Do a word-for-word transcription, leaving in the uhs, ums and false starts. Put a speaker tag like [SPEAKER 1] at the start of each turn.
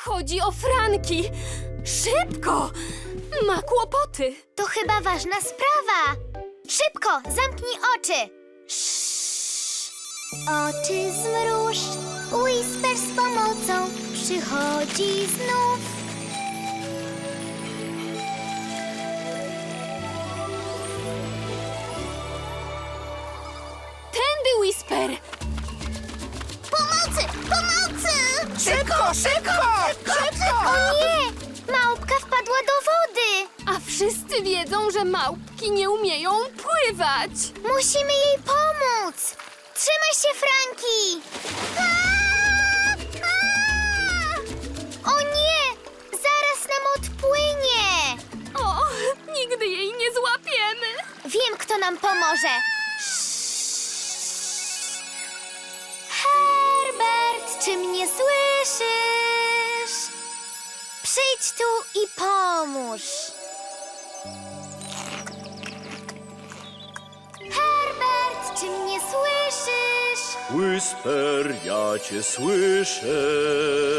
[SPEAKER 1] Chodzi o Franki. Szybko! Ma kłopoty.
[SPEAKER 2] To chyba ważna sprawa. Szybko, zamknij oczy. Oczy zmruż, Whisper z pomocą przychodzi znów.
[SPEAKER 1] Tędy, Whisper.
[SPEAKER 2] Pomocy! Pomocy!
[SPEAKER 3] Szybko, szybko! Szybko!
[SPEAKER 2] O nie! Małpka wpadła do wody.
[SPEAKER 1] A wszyscy wiedzą, że małpki nie umieją pływać.
[SPEAKER 2] Musimy jej pomóc. Trzymaj się, Franki! Aaa! Aaa! O nie! Zaraz nam odpłynie.
[SPEAKER 1] O, nigdy jej nie złapiemy.
[SPEAKER 2] Wiem, kto nam pomoże. Herbert, czy mnie słyszysz? Przyjdź tu i pomóż. Herbert, czy mnie słyszysz?
[SPEAKER 4] Whisper, ja cię słyszę.